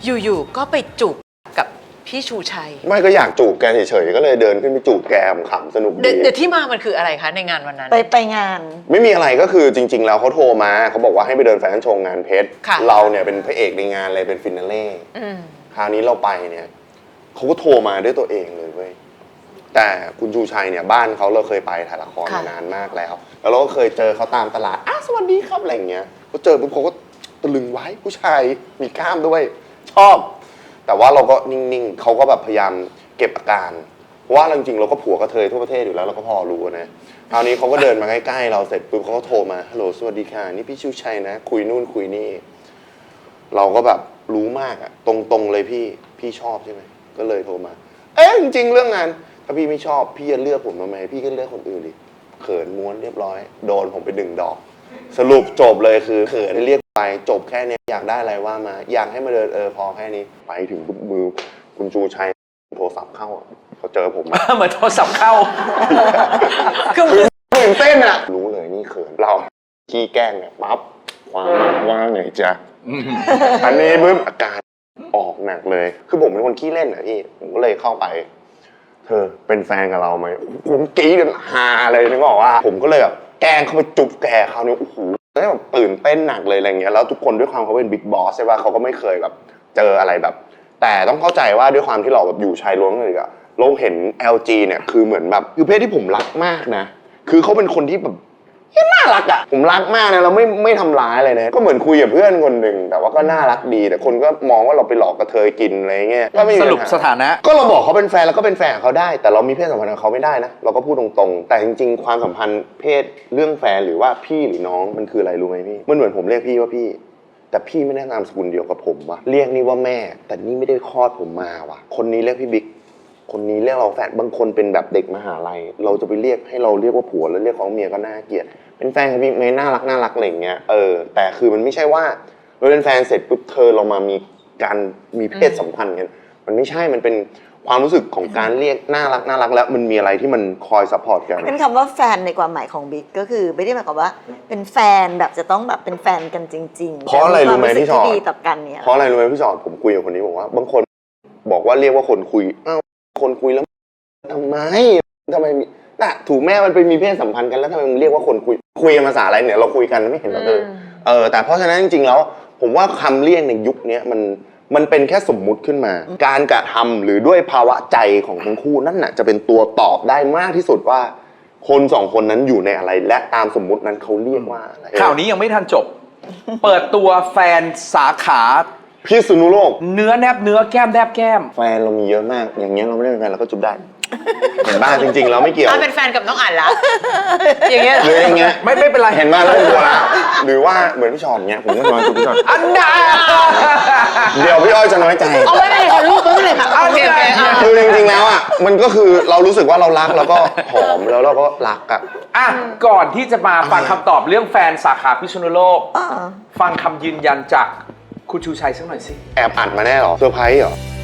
อยู่ๆก็ไปจูบกับพี่ชูชัยไม่ก็อยากจูบแกเฉยๆก็เลยเดินขึ้นไปจูบแกขำสนุกดีเดี๋ยวที่มามันคืออะไรคะในงานวันนั้นไปงานไม่มีอะไรก็คือจริงๆแล้วเขาโทรมาเขาบอกว่าให้ไปเดินแฟชั่นโชว์งานเพชรเราเนี่ยเป็นพระเอกในงานเลยเป็นฟินาเล่คราวนี้เราไปเนี่ยเขาก็โทรมาด้วยตัวเองเลยเว้ยแต่คุณชูชัยเนี่ยบ้านเขาเราเคยไปถ่ายละครมานานมากแล้วเราก็เคยเจอเขาตามตลาดสวัสดีครับอะไรเงี้ยเขาเจอปุ๊บเขาก็ตะลึงไว้ผู้ชายมีกล้ามด้วยชอบแต่ว่าเราก็นิ่งๆเขาก็แบบพยายามเก็บอาการเพราะว่าจริงๆเราก็ผัวกระเทยทั่วประเทศอยู่แล้วเราก็พอรู้นะคราวนี้เขาก็เดินมาใกล้ๆเราเสร็จปุ๊บเขาก็โทรมาฮัลโหลสวัสดีค่ะนี่พี่ชูชัยนะคุยนู่นคุยนี่เราก็แบบรู้มากอะตรงๆเลยพี่ชอบใช่ไหมก็เลยโทรมาจริงๆเรื่องงานถ้าพี่ไม่ชอบพี่จะเลือกผมทำไมพี่ก็เลือกคนอื่นดิเขินม้วนเรียบร้อยโดนผมไป1 ดอกสรุปจบเลยคือเขินเรียกไปจบแค่นี้อยากได้อะไรว่ามาอยากให้มาเดินพอแค่นี้ไปถึงปุ๊บมือคุณชูชัยโทรศัพท์เข้าเขาเจอผมเหมือนโทรศัพท์เข้าคือตื่นเต้นอะรู้เลยนี่เขินเราขี้แกล้งเนี่ยปั๊บว่างไงจ๊ะอันนี้ปุ๊บอาการออกหนักเลยคือผมเป็นคนขี้เล่นอะพี่ผมก็เลยเข้าไปเธอเป็นแฟนกับเราไหมผมกรี๊ดกันฮาเลยนึกออกว่าผมก็เลยแบบแกล้งเข้าไปจุบแกเขาเนี่ยโอ้โหแล้วแบบตื่นเต้นหนักเลยอะไรเงี้ยแล้วทุกคนด้วยความเขาเป็นบิ๊กบอสใช่ป่ะเขาก็ไม่เคยแบบเจออะไรแบบแต่ต้องเข้าใจว่าด้วยความที่เราแบบอยู่ชายล้วนเลยอะเราเห็น LG เนี่ยคือเหมือนแบบคือเพศที่ผมรักมากนะคือเขาเป็นคนที่แบบน่ารักอะผมรักมากนะเราไม่ทำร้ายเลยนะก็เหมือนคุยกับเพื่อนคนหนึ่งแต่ว่าก็น่ารักดีแต่คนก็มองว่าเราไปหลอกกระเทยกินอะไรเงี้ยก็ไม่มีสรุปสถานะก็เราบอกเขาเป็นแฟนแล้วก็เป็นแฟนกับเขาได้แต่เรามีเพศสัมพันธ์กับเขาไม่ได้นะเราก็พูดตรงๆแต่จริงๆความสัมพันธ์เพศเรื่องแฟนหรือว่าพี่หรือน้องมันคืออะไรรู้ไหมพี่มันเหมือนผมเรียกพี่ว่าพี่แต่พี่ไม่ได้นามสกุลเดียวกับผมวะเรียกนี่ว่าแม่แต่นี่ไม่ได้คลอดผมมาวะคนนี้เรียกพี่บิ๊กคนนี้เรียกเราแฟนบางคนเป็นแบบเด็กมหาลัยเราจะไปเรียกให้เราเรียกว่าผัวแล้วเรียกเขาเมียก็น่าเกลียดเป็นแฟนกับพี่ไม่น่ารักอะไรอย่างเงี้ยแต่คือมันไม่ใช่ว่าเราเป็นแฟนเสร็จปุ๊บเรามามีเพศสัมพันธ์กันมันไม่ใช่มันเป็นความรู้สึกของการเรียกน่ารักแล้วมันมีอะไรที่มันคอยซัพพอร์ตกันเป็นคำว่าแฟนในความหมายของบิ๊กก็คือไม่ได้หมายความว่าเป็นแฟนแบบจะต้องแบบเป็นแฟนกันจริงๆเพราะอะไรรู้ไหมพี่ชอดดีต่อกันเนี่ยเพราะอะไรรู้ไหมพี่ชอดผมคุยกับคนนี้บอกว่าบางคนบอกว่าเรียกว่าคนคุยคนคุยแล้วทำไมน่ะถูกแม่มันไปมีเพศสัมพันธ์กันแล้วทำไมมึงเรียกว่าคนคุยกันภาษาอะไรเนี่ยเราคุยกันไม่เห็นหรอแต่เพราะฉะนั้นจริงๆแล้วผมว่าคำเรียกในยุคนี้มันเป็นแค่สมมุติขึ้นมาการกระทำหรือด้วยภาวะใจของทั้งคู่นั่นน่ะจะเป็นตัวตอบได้มากที่สุดว่าคนสองคนนั้นอยู่ในอะไรและตามสมมุตินั้นเขาเรียกว่าอะไรข่าวนี้ยังไม่ทันจบ เปิดตัวแฟนสาขาพิษณุโลกเนื้อแนบเนื้อแก้มแนบแก้มแฟนเรามีเยอะมากอย่างเงี้ยเราไม่ได้เป็นแฟนเราก็จุบได้เห็นบ้างจริงๆเราไม่เกี่ยวเป็นแฟนกับน้องอั๋นละอย่างเงี้ยหรืออย่างเงี้ยไม่เป็นไรเห็นบ้างแล้วกลัวละหรือว่าเหมือนพี่ชอนเงี้ยผมก็นอนจุบพี่ชอนอันดาเดี๋ยวพี่อ้อยจะน้อยใจเอาไม่ได้ค่ะลูกไม่เลยค่ะโอเคคือจริงๆแล้วอ่ะมันก็คือเรารู้สึกว่าเรารักแล้วก็หอมแล้วเราก็รักก่อนที่จะมาฟังคำตอบเรื่องแฟนสาขาพิษณุโลกฟังคำยืนยันจากคุณชูชัยสักหน่อยสิแอบอัดมาแน่หรอเซอร์ไพรส์เหรอ